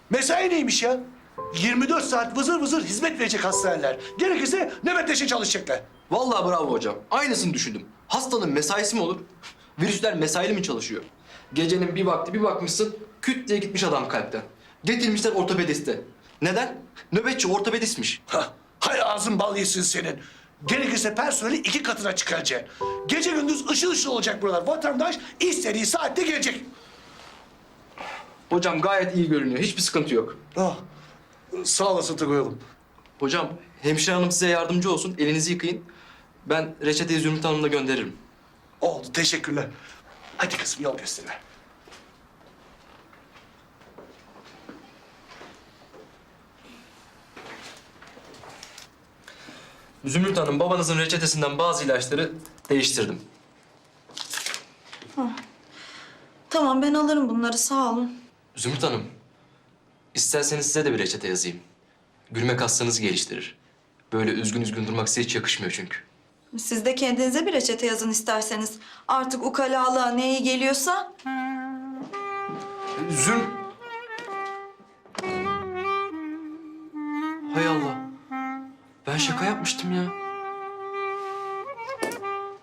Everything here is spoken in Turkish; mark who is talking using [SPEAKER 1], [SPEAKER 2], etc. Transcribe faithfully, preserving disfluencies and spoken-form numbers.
[SPEAKER 1] Mesai neymiş ya? yirmi dört saat vızır vızır hizmet verecek hastaneler. Gerekirse nöbetleşe çalışacaklar.
[SPEAKER 2] Vallahi bravo hocam. Aynısını düşündüm. Hastanın mesaisi mi olur? Virüsler mesaili mi çalışıyor? Gecenin bir vakti bir bakmışsın, küt diye gitmiş adam kalpten. Getirmişler ortopediste. Neden? Nöbetçi ortopedistmiş.
[SPEAKER 1] Hah, hay ağzın bal yesin senin. Gerekirse personeli iki katına çıkaracaksın. Gece gündüz ışıl ışıl olacak buralar. Vatandaş istediği saatte gelecek.
[SPEAKER 2] Hocam gayet iyi görünüyor. Hiçbir sıkıntı yok.
[SPEAKER 1] Ah, sağ olasın Tugay oğlum.
[SPEAKER 2] Hocam hemşire hanım size yardımcı olsun. Elinizi yıkayın. Ben reçeteyi Zümrüt Hanım'la gönderirim.
[SPEAKER 1] Oldu, teşekkürler. Hadi kızım yol göster.
[SPEAKER 2] Zümrüt Hanım, babanızın reçetesinden bazı ilaçları değiştirdim.
[SPEAKER 3] Tamam ben alırım bunları sağ olun.
[SPEAKER 2] Zümrüt Hanım, isterseniz size de bir reçete yazayım. Gülmek hastanızı geliştirir. Böyle üzgün üzgün durmak size hiç yakışmıyor çünkü.
[SPEAKER 3] Siz de kendinize bir reçete yazın isterseniz. Artık ukalalığa ne iyi geliyorsa.
[SPEAKER 2] Züm... Hay Allah. Ben şaka yapmıştım ya.